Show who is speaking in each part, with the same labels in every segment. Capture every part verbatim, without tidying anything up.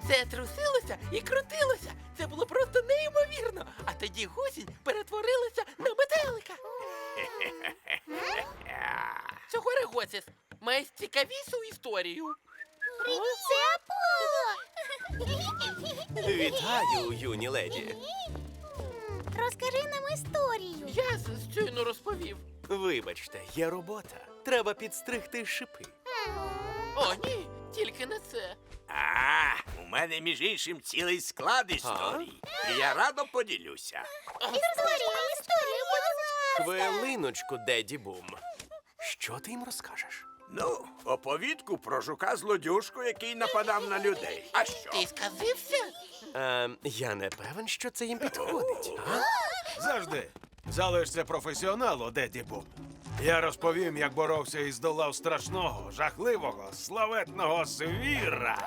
Speaker 1: Все трусилося і крутилося. Це було просто неймовірно. А тоді гусінь перетворилася на метелика. Цього регоцис має цікавішу історію.
Speaker 2: Це Аполло!
Speaker 3: Вітаю, юні леді.
Speaker 2: Розкажи нам історію.
Speaker 1: Я щойно розповів.
Speaker 3: Вибачте, є робота. Треба підстригти шипи.
Speaker 1: О, ні, тільки не це.
Speaker 4: А, у мене, між іншим, цілий склад історій. І я радо поділюся.
Speaker 2: Історія, історія, будь ласка.
Speaker 3: Хвилиночку, Деді Бум. Що ти їм розкажеш?
Speaker 4: Ну, оповідку про жука-злодюжку, який нападав на людей. А що?
Speaker 1: Ти сказився?
Speaker 3: Е, я не певен, що це їм підходить. А?
Speaker 5: Завжди. Залишся професіоналу, Деді Бум. Я розповім, як боровся і здолав страшного, жахливого, славетного звіра.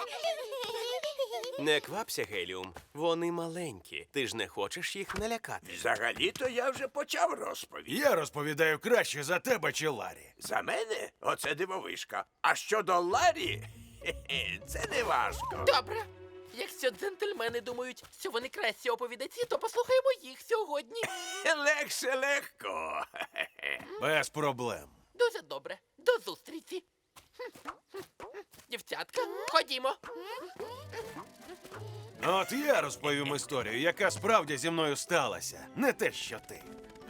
Speaker 3: Не квапся, Геліум. Вони маленькі. Ти ж не хочеш їх налякати.
Speaker 4: Взагалі-то я вже почав розповідь.
Speaker 5: Я розповідаю краще за тебе чи Ларі.
Speaker 4: За мене оце дивовишка. А щодо Ларі, хе-хе, це не важко.
Speaker 1: Добре. Якщо джентльмени думають, що вони кращі оповідачі, то послухаємо їх сьогодні.
Speaker 4: Легше легко. Хе-хе.
Speaker 5: Без проблем.
Speaker 1: Дуже добре. До зустрічі. Дівчатка, ходімо.
Speaker 5: От я розповім історію, яка справді зі мною сталася. Не те, що ти.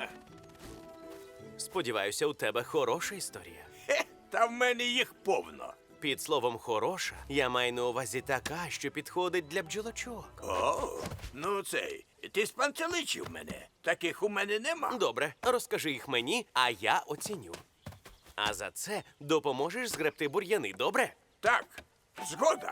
Speaker 3: Сподіваюся, у тебе хороша історія.
Speaker 4: Хе, та в мене їх повно.
Speaker 3: Під словом «хороша» я маю на увазі така, що підходить для бджолочок.
Speaker 4: О, ну цей, ти спантеличив мене. Таких у мене нема.
Speaker 3: Добре, розкажи їх мені, а я оціню. А за це допоможеш згребти бур'яни, добре?
Speaker 4: Так, згода.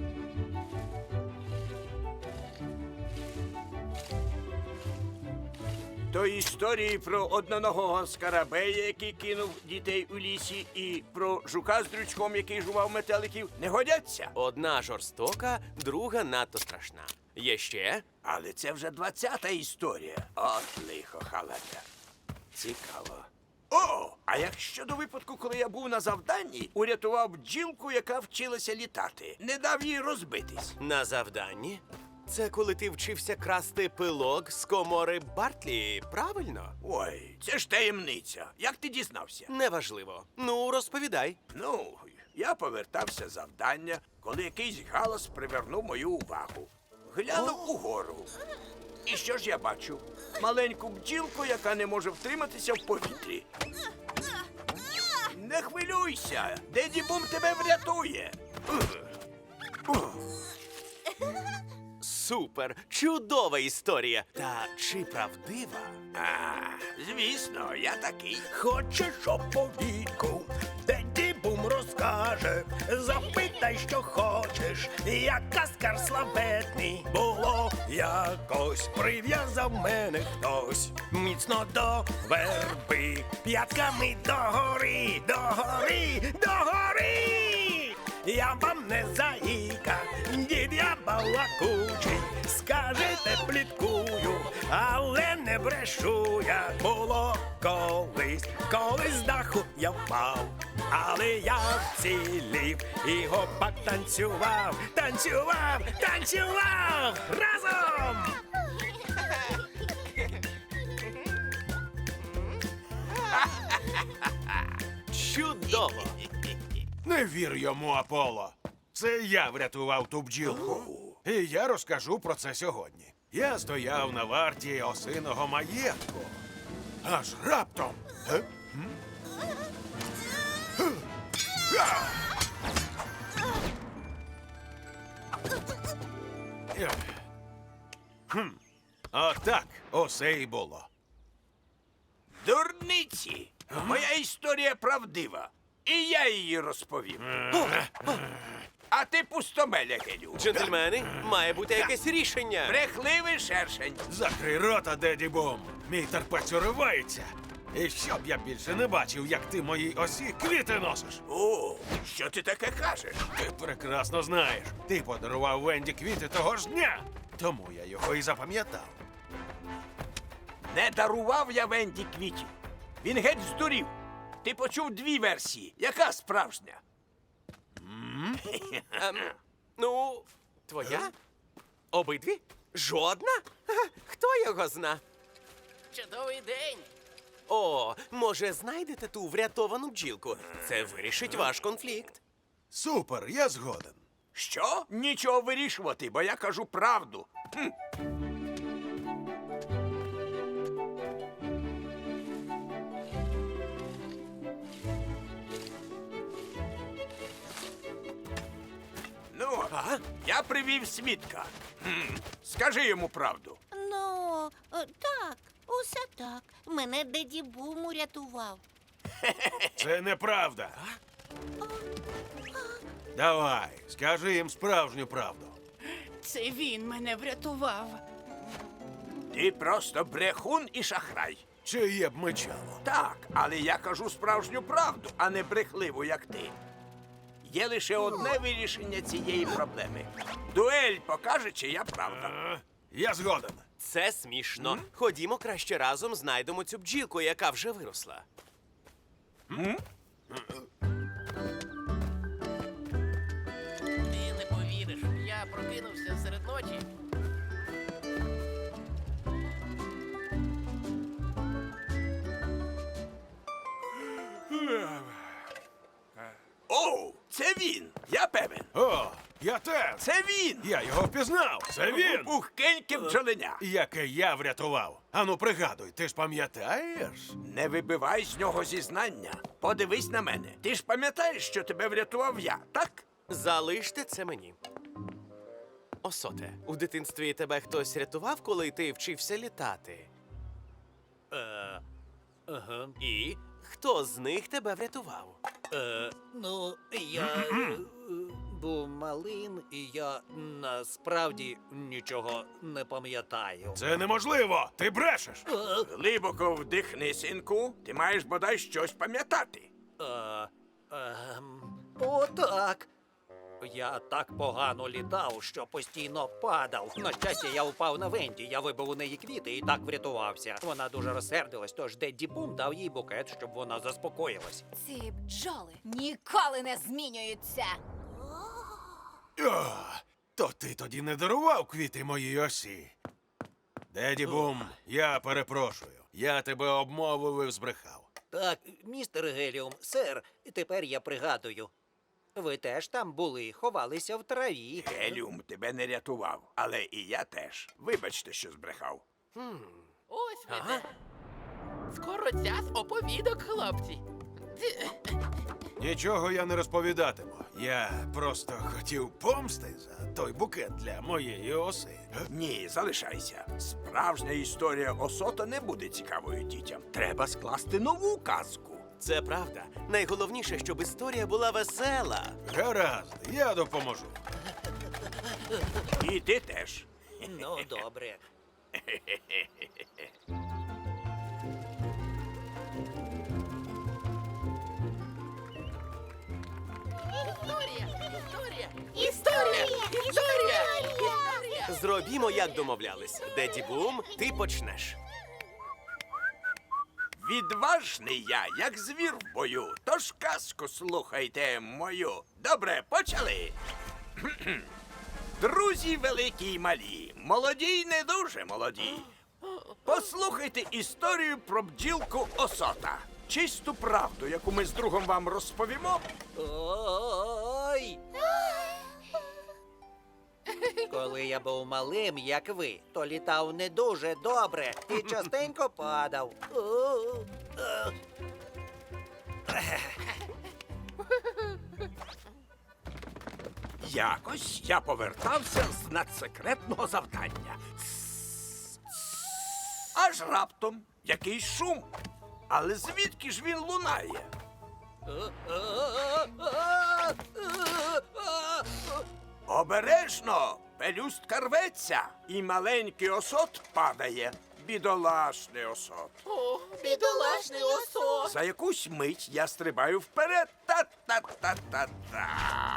Speaker 4: То історії про одноногого скарабея, який кинув дітей у лісі, і про жука з дрючком, який жував метеликів, не годяться.
Speaker 3: Одна жорстока, друга надто страшна. Є ще?
Speaker 4: Але це вже двадцята історія. От лихо халата. Цікаво. О, а як щодо випадку, коли я був на завданні, урятував бджілку, яка вчилася літати. Не дав їй розбитись.
Speaker 3: На завданні? Це коли ти вчився красти пилок з комори Бартлі, правильно?
Speaker 4: Ой, це ж таємниця. Як ти дізнався?
Speaker 3: Неважливо. Ну, розповідай.
Speaker 4: Ну, я повертався з завдання, коли якийсь галас привернув мою увагу. Глянув угору. І що ж я бачу? Маленьку бджілку, яка не може втриматися в повітрі. Не хвилюйся, Деді Бум тебе врятує.
Speaker 3: Супер! Чудова історія! Та чи правдива?
Speaker 4: А, звісно, я такий.
Speaker 6: Хочеш оповідку, Деді Бум розкаже, запитай, що хочеш, як каскар славетний. Було якось, прив'язав мене хтось міцно до верби, п'ятками догори, догори, догори. Я вам не заїка, дід я балакучий, скажете, пліткую, але не брешу я. Було колись, колись з даху я впав, але я вцілів і гопак танцював, танцював, танцював разом!
Speaker 3: Чудово!
Speaker 5: Не вір йому, Аполло. Це я врятував ту бджілку. І я розкажу про це сьогодні. Я стояв на варті осиного маєтку. Аж раптом. Е? М? Е? А! Е. Хм. Отак усе і було.
Speaker 4: Дурниці! Моя історія правдива. І я її розповім. А ти пустомеля, Гелю.
Speaker 3: Джентльмени, має бути якесь рішення.
Speaker 4: Брехливий шершень.
Speaker 5: Закрий рота, Деді Бум. Мій терпець уривається. І щоб я більше не бачив, як ти моїй осі квіти носиш.
Speaker 4: О, що ти таке кажеш?
Speaker 5: Ти прекрасно знаєш. Ти подарував Венді квіти того ж дня. Тому я його і запам'ятав.
Speaker 4: Не дарував я Венді квітів. Він геть здурів. Ти почув дві версії. Яка справжня?
Speaker 3: Ем, ну, Твоя? Обидві? Жодна? Ха, хто його зна?
Speaker 1: Чудовий день.
Speaker 3: О, може, знайдете ту врятовану бджілку? Це вирішить ваш конфлікт.
Speaker 5: Супер, я згоден.
Speaker 4: Що? Нічого вирішувати, бо я кажу правду. Хм. Ну,
Speaker 3: А?
Speaker 4: я привів свідка. Хм. Скажи йому правду.
Speaker 2: Ну, е, так, усе так. Мене Деді Бум урятував.
Speaker 5: Це неправда. Давай, скажи їм справжню правду.
Speaker 7: Це він мене врятував.
Speaker 4: Ти просто брехун і шахрай.
Speaker 5: Чиє б мечало?
Speaker 4: Так, але я кажу справжню правду, а не брехливу, як ти. Є лише одне вирішення цієї проблеми. Дуель покаже, чия правда.
Speaker 5: А, я згоден.
Speaker 3: Це смішно. Ходімо краще разом знайдемо цю бджілку, яка вже виросла.
Speaker 1: Ти не повіриш, я прокинувся серед ночі.
Speaker 4: О, це він! Я певен.
Speaker 5: О, я теж.
Speaker 4: Це він!
Speaker 5: Я його впізнав. Це він.
Speaker 4: Пухкеньке бджоленя.
Speaker 5: Яке я врятував. Ану, пригадуй, ти ж пам'ятаєш?
Speaker 4: Не вибивай з нього зізнання. Подивись на мене. Ти ж пам'ятаєш, що тебе врятував я, так?
Speaker 3: Залиште це мені. Осоте, у дитинстві тебе хтось рятував, коли ти вчився літати?
Speaker 6: Е, ага.
Speaker 3: І хто з них тебе врятував?
Speaker 6: Е, ну, я е, був малим, і я насправді нічого не пам'ятаю.
Speaker 5: Це неможливо. Ти брешеш.
Speaker 4: Глибоко вдихни, синку. Ти маєш бодай щось пам'ятати.
Speaker 6: Е, ем, о, так. Я так погано літав, що постійно падав. На щастя, я впав на Венді, я вибив у неї квіти і так врятувався. Вона дуже розсердилась, тож Дедді Бум дав їй букет, щоб вона заспокоїлась.
Speaker 7: Ці бджоли ніколи не змінюються.
Speaker 5: О, то ти тоді не дарував квіти моїй осі. Деді Бум, я перепрошую. Я тебе обмовив і збрехав.
Speaker 6: Так, містер Геліум, сер, тепер я пригадую. Ви теж там були, ховалися в траві.
Speaker 4: Геліум тебе не рятував, але і я теж. Вибачте, що збрехав.
Speaker 1: Ось ви
Speaker 3: Ага.
Speaker 1: де. Скоро час оповідок, хлопці.
Speaker 5: Нічого я не розповідатиму. Я просто хотів помсти за той букет для моєї оси.
Speaker 4: Ні, залишайся. Справжня історія Осота не буде цікавою дітям. Треба скласти нову казку.
Speaker 3: Це правда. Найголовніше, щоб історія була весела.
Speaker 5: Гаразд, я допоможу.
Speaker 4: І ти теж.
Speaker 6: Ну, добре.
Speaker 1: Історія, історія,
Speaker 2: Історія!
Speaker 1: історія, історія.
Speaker 3: Зробімо, як домовлялись. Деді Бум, ти почнеш.
Speaker 4: Відважний я, як звір в бою, тож казку слухайте мою. Добре, почали. Кхм-кхм. Друзі великі й малі, молоді й не дуже молоді. Послухайте історію про бджілку Осота. Чисту правду, яку ми з другом вам розповімо.
Speaker 6: Ой! Коли я був малим, як ви, то літав не дуже добре і частенько падав. О, е.
Speaker 4: Якось я повертався з надсекретного завдання. Аж раптом якийсь шум. Але звідки ж він лунає? Обережно! Пелюстка рветься, і маленький осот падає. Бідолашний осот.
Speaker 1: О, бідолашний осо.
Speaker 4: За якусь мить я стрибаю вперед. Та-та-та-та-та.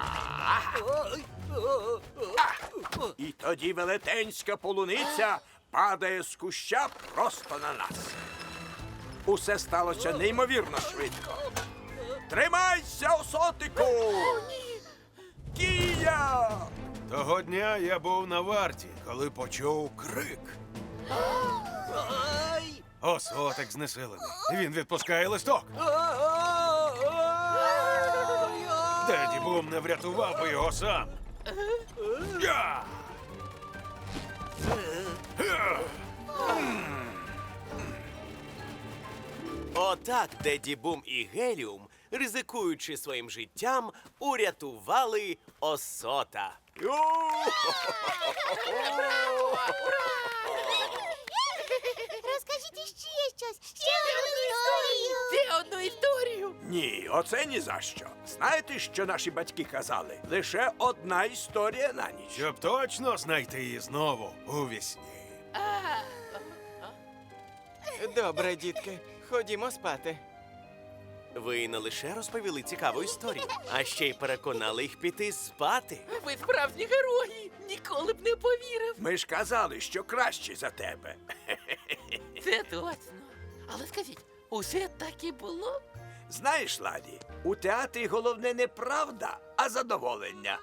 Speaker 4: І тоді велетенська полуниця падає з куща просто на нас. Усе сталося неймовірно швидко. Тримайся, осотику! Кія!
Speaker 5: Того дня я був на варті, коли почув крик.
Speaker 6: Ай!
Speaker 5: Осотик знесилений. Він відпускає листок. Деді Бум не врятував би його сам. Я!
Speaker 3: Отак Деді Бум і Геліум, ризикуючи своїм життям, урятували Осота.
Speaker 2: Розкажіть іще щось, ще одну історію.
Speaker 1: Ще одну історію.
Speaker 4: Ні, оце ні за що. Знаєте, що наші батьки казали? Лише одна історія на ніч.
Speaker 5: Щоб точно знайти її знову у вісні.
Speaker 8: Добре, дітки, ходімо спати.
Speaker 3: Ви не лише розповіли цікаву історію, а ще й переконали їх піти спати.
Speaker 1: Ви справжні герої. Ніколи б не повірив.
Speaker 4: Ми ж казали, що краще за тебе.
Speaker 1: Це точно. Але скажіть, усе так і було?
Speaker 4: Знаєш, Ладі, у театрі головне не правда, а задоволення.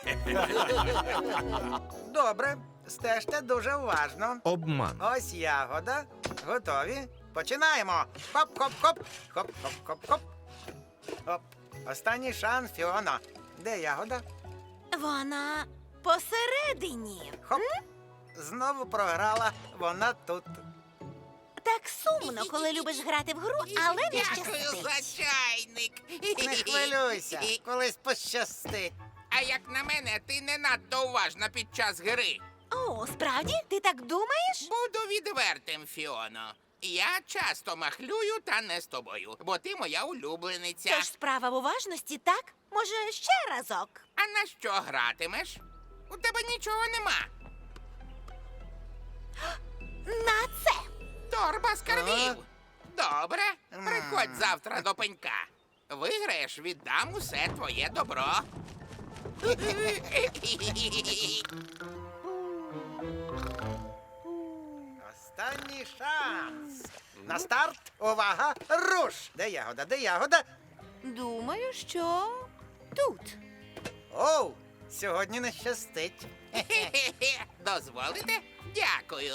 Speaker 9: Добре, стежте дуже уважно.
Speaker 10: Обман.
Speaker 9: Ось ягода. Готові? Починаємо. Хоп-хоп-хоп. Хоп-хоп-хоп-хоп. Хоп. Останній шанс, Фіона. Де ягода?
Speaker 2: Вона посередині.
Speaker 9: Хоп. Знову програла. Вона тут.
Speaker 2: Так сумно, коли любиш грати в гру, але не щастить.
Speaker 11: чайник.
Speaker 9: Не хвилюйся, колись пощастить.
Speaker 11: А як на мене, ти не надто уважна під час гри.
Speaker 2: О, справді? Ти так думаєш?
Speaker 11: Буду відвертим, Фіоно. Я часто махлюю, та не з тобою, бо ти моя улюблениця.
Speaker 2: Тож справа в уважності, так? Може, ще разок?
Speaker 11: А на що гратимеш? У тебе нічого нема.
Speaker 2: На це!
Speaker 11: Торба скарбів. Добре, приходь завтра до пенька. Виграєш, віддам усе твоє добро.
Speaker 9: Останній шанс. На старт. Увага. Руш. Де ягода? Де ягода?
Speaker 2: Думаю, що тут.
Speaker 9: Оу, сьогодні не щастить.
Speaker 11: Дозволите? Дякую.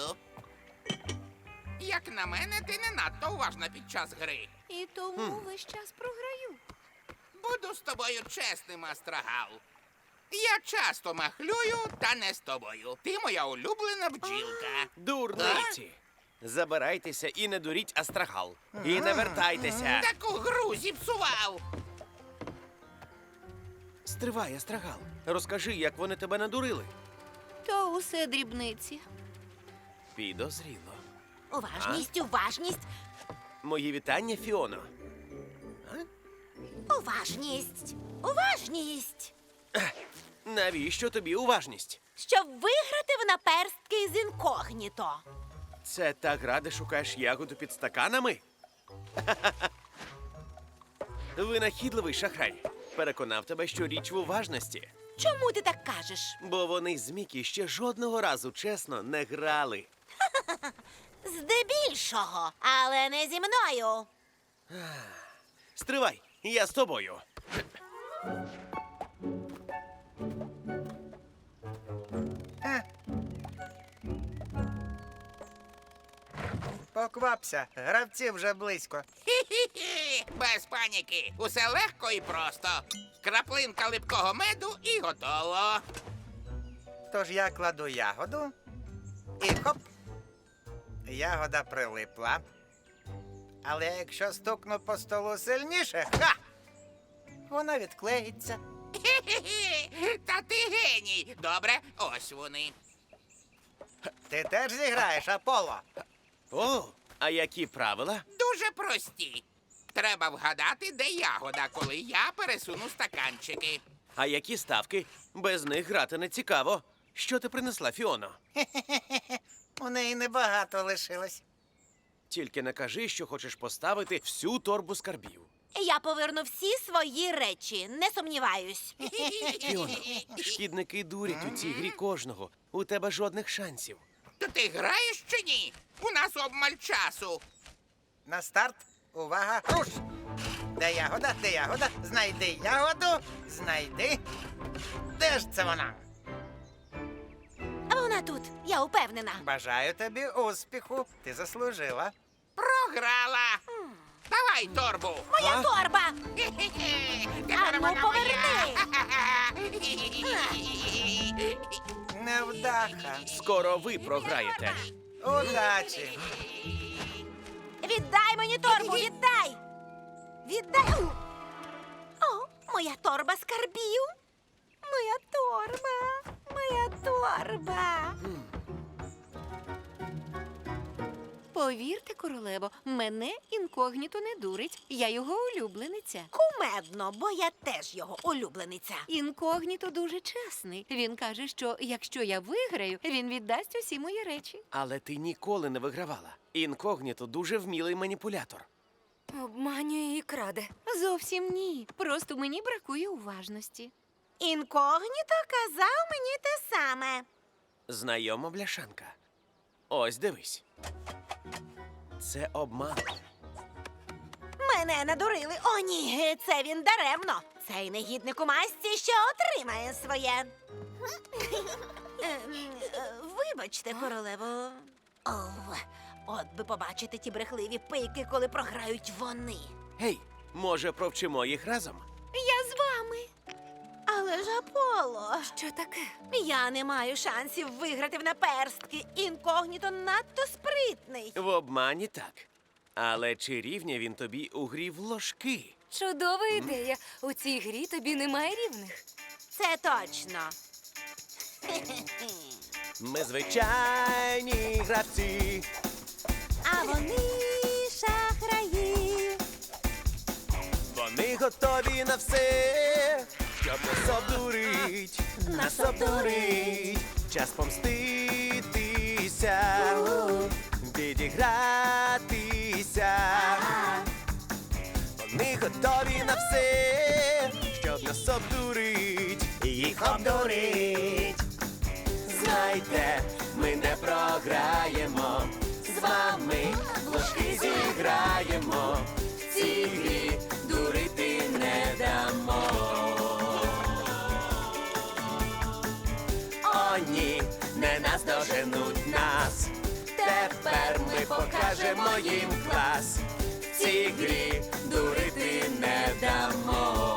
Speaker 11: Як на мене, ти не надто уважна під час гри.
Speaker 2: І тому весь час програю.
Speaker 11: Буду з тобою чесним, Астрагал. Я часто махлюю, та не з тобою. Ти моя улюблена бджілка.
Speaker 3: Дурниці! Забирайтеся і не дуріть Астрагал. І не вертайтеся.
Speaker 11: Таку гру зіпсував.
Speaker 3: Стривай, Астрагал. Розкажи, як вони тебе надурили.
Speaker 2: То усе дрібниці.
Speaker 3: Підозріло.
Speaker 2: Уважність, уважність,
Speaker 3: Мої вітання, Фіоно.
Speaker 2: уважність, уважність.
Speaker 3: Навіщо тобі уважність?
Speaker 2: Щоб виграти в наперстки з інкогніто.
Speaker 3: Це та гра, де шукаєш ягоду під стаканами? Винахідливий шахрай. Переконав тебе, що річ в уважності.
Speaker 2: Чому ти так кажеш?
Speaker 3: Бо вони з Мікі ще жодного разу чесно не грали.
Speaker 2: Здебільшого, але не зі мною.
Speaker 3: Стривай, я з тобою.
Speaker 9: Поквапся, гравці вже близько.
Speaker 11: Хі-хі-хі. Без паніки. Усе легко і просто. Краплинка липкого меду і готово.
Speaker 9: Тож я кладу ягоду і хоп. Ягода прилипла. Але якщо стукну по столу сильніше, ха! Вона відклеїться.
Speaker 11: Хі-хі-хі. Та ти геній. Добре, ось вони.
Speaker 9: Ти теж зіграєш, Аполло?
Speaker 3: О, а які правила?
Speaker 11: Дуже прості. Треба вгадати, де ягода, коли я пересуну стаканчики.
Speaker 3: А які ставки? Без них грати не цікаво. Що ти принесла, Фіоно?
Speaker 9: У неї небагато лишилось.
Speaker 3: Тільки не кажи, що хочеш поставити всю торбу скарбів.
Speaker 2: Я поверну всі свої речі, не сумніваюсь.
Speaker 3: Фіоно, шкідники дурять у цій грі кожного. У тебе жодних шансів.
Speaker 11: То ти граєш чи ні? У нас обмаль часу.
Speaker 9: На старт. Увага, руш! Де ягода? Де ягода? Знайди ягоду. Знайди. Де ж це вона?
Speaker 2: тут, я упевнена.
Speaker 9: Бажаю тобі успіху. Ти заслужила.
Speaker 11: Програла. Давай торбу.
Speaker 2: Моя торба!
Speaker 11: Тепер
Speaker 2: Ану,
Speaker 11: вона
Speaker 2: поверни.
Speaker 11: моя.
Speaker 9: Невдаха.
Speaker 3: Скоро ви програєте.
Speaker 9: Удачі.
Speaker 2: Віддай мені торбу, віддай! Віддай! У! О, моя торба скарбів! Моя торба! Моя торба! Повірте, королево, мене інкогніто не дурить. Я його улюблениця. Кумедно, бо я теж його улюблениця. Інкогніто дуже чесний. Він каже, що якщо я виграю, він віддасть усі мої речі.
Speaker 3: Але ти ніколи не вигравала. Інкогніто дуже вмілий маніпулятор.
Speaker 7: Обманює і краде.
Speaker 2: Зовсім ні. Просто мені бракує уважності. Інкогніто казав мені те саме.
Speaker 3: Знайома бляшанка. Ось дивись. Це обман.
Speaker 2: Мене надурили. О, ні, це він даремно. Цей негідник у масці ще отримає своє. Ем, е, Вибачте, королево. О, от би побачити ті брехливі пийки, коли програють вони.
Speaker 3: Гей, може, провчимо їх разом?
Speaker 2: Я з вами. Але ж Аполло,
Speaker 7: Що таке?
Speaker 2: я не маю шансів виграти в наперстки. Інкогніто надто спритний.
Speaker 3: В обмані так. Але чи рівня він тобі у грі в ложки?
Speaker 7: Чудова ідея. У цій грі тобі немає рівних.
Speaker 2: Це точно.
Speaker 3: Ми звичайні гравці.
Speaker 2: А вони шахраї.
Speaker 3: Вони готові на все, щоб нас обдурить, нас обдурить. Час помститися, відігратися. Вони готові на все, щоб нас обдурить, їх обдурить. Знайте, ми не програємо, з вами в ложки зіграємо. В цій грі дурити не дамо. О, ні, не наздоженуть нас. Тепер ми покажемо їм клас. В цій грі дурити не дамо.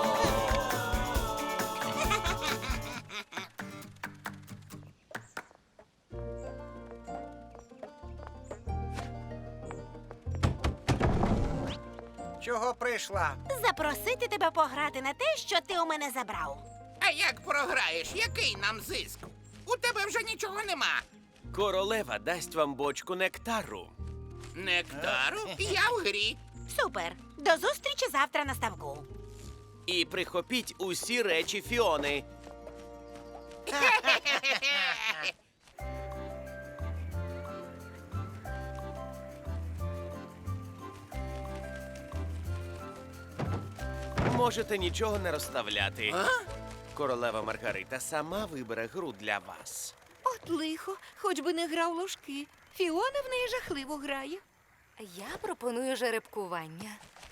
Speaker 9: Чого прийшла?
Speaker 2: Запросити тебе пограти на те, що ти у мене забрав.
Speaker 11: А як програєш, який нам зиск? У тебе вже нічого нема.
Speaker 3: Королева дасть вам бочку нектару.
Speaker 11: Нектару? Я в грі.
Speaker 2: Супер. До зустрічі завтра на ставку.
Speaker 3: І прихопіть усі речі Фіони. Можете нічого не розставляти. Королева Маргарита сама вибере гру для вас.
Speaker 2: От лихо, хоч би не грав ложки. Фіона в неї жахливо грає.
Speaker 7: Я пропоную жеребкування.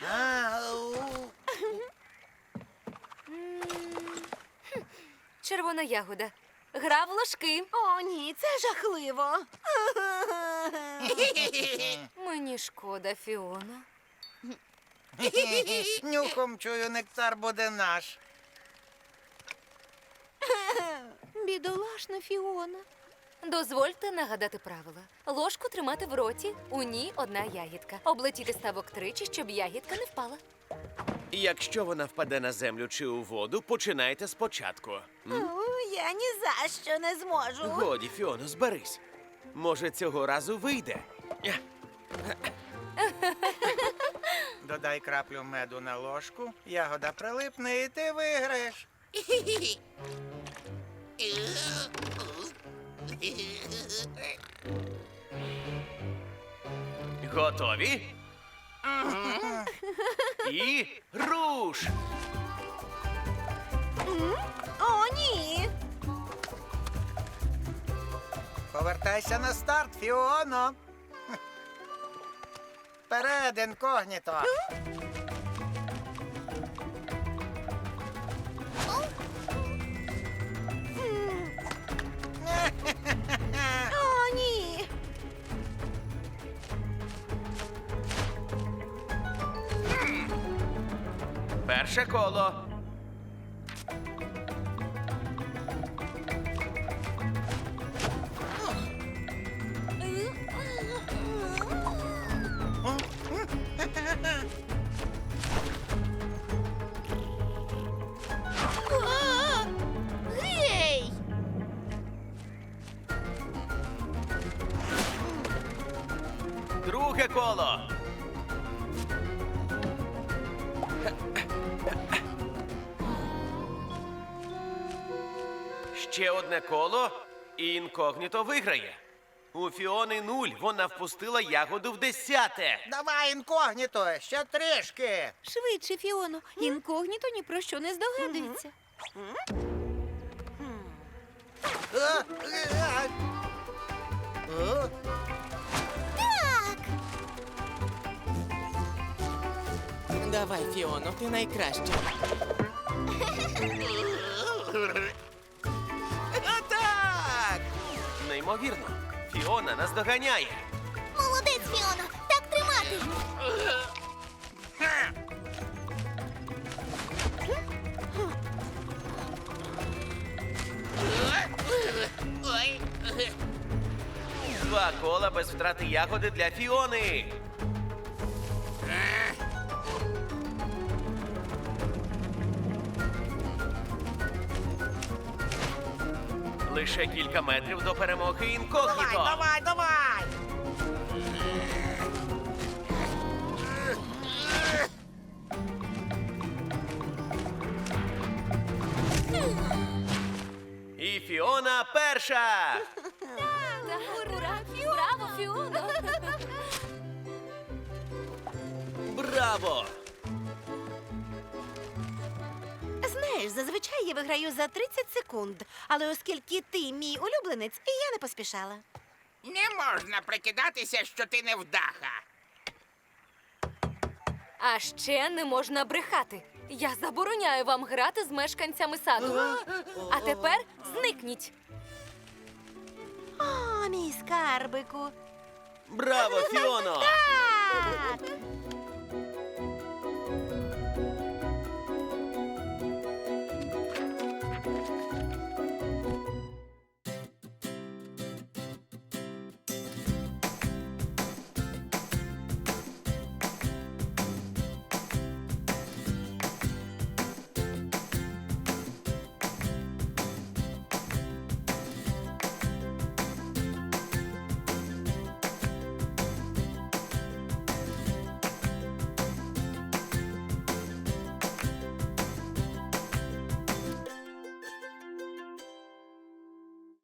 Speaker 7: Червона ягода. Гра в ложки.
Speaker 2: О, ні, це жахливо.
Speaker 7: Мені шкода, Фіона.
Speaker 9: Нюхом чую, нектар буде наш.
Speaker 2: Бідолашна Фіона.
Speaker 7: Дозвольте нагадати правила. Ложку тримати в роті, у ній одна ягідка. Облетіти ставок тричі, щоб ягідка не впала.
Speaker 3: Якщо вона впаде на землю чи у воду, починайте спочатку. М?
Speaker 2: О, я ні за що не зможу.
Speaker 3: Годі, Фіоно, зберись. Може, цього разу вийде. Ня.
Speaker 9: Додай краплю меду на ложку, ягода прилипне і ти виграєш.
Speaker 3: Готові? І руш!
Speaker 2: О, ні.
Speaker 9: Повертайся на старт, Фіоно. Вперед, інкогніто.
Speaker 3: Перше коло.
Speaker 2: Гей!
Speaker 3: Друге коло. Ще одне коло, і інкогніто виграє. У Фіони нуль, вона впустила ягоду в десяте.
Speaker 9: Давай інкогніто, ще трішки.
Speaker 2: Швидше, Фіоно. Інкогніто ні про що не здогадується.
Speaker 9: Е, е, е. Е?
Speaker 8: Давай, Фіоно, ти найкраща.
Speaker 3: Так! Неймовірно. Фіона нас доганяє.
Speaker 2: Молодець, Фіоно! Так тримати!
Speaker 1: Ой.
Speaker 3: Два кола без втрати ягоди для Фіони. Лише кілька метрів до перемоги інкогніто.
Speaker 9: Давай, давай, давай.
Speaker 3: І Фіона перша.
Speaker 7: Ура! Браво, Фіоно!
Speaker 3: Браво!
Speaker 2: Знаєш, зазвичай я виграю за тридцять секунд. Але оскільки ти мій улюбленець, я не поспішала.
Speaker 11: Не можна прикидатися, що ти невдаха.
Speaker 7: А ще не можна брехати. Я забороняю вам грати з мешканцями саду. А тепер зникніть.
Speaker 2: О, мій скарбику.
Speaker 3: Браво, Фіоно!
Speaker 2: Так!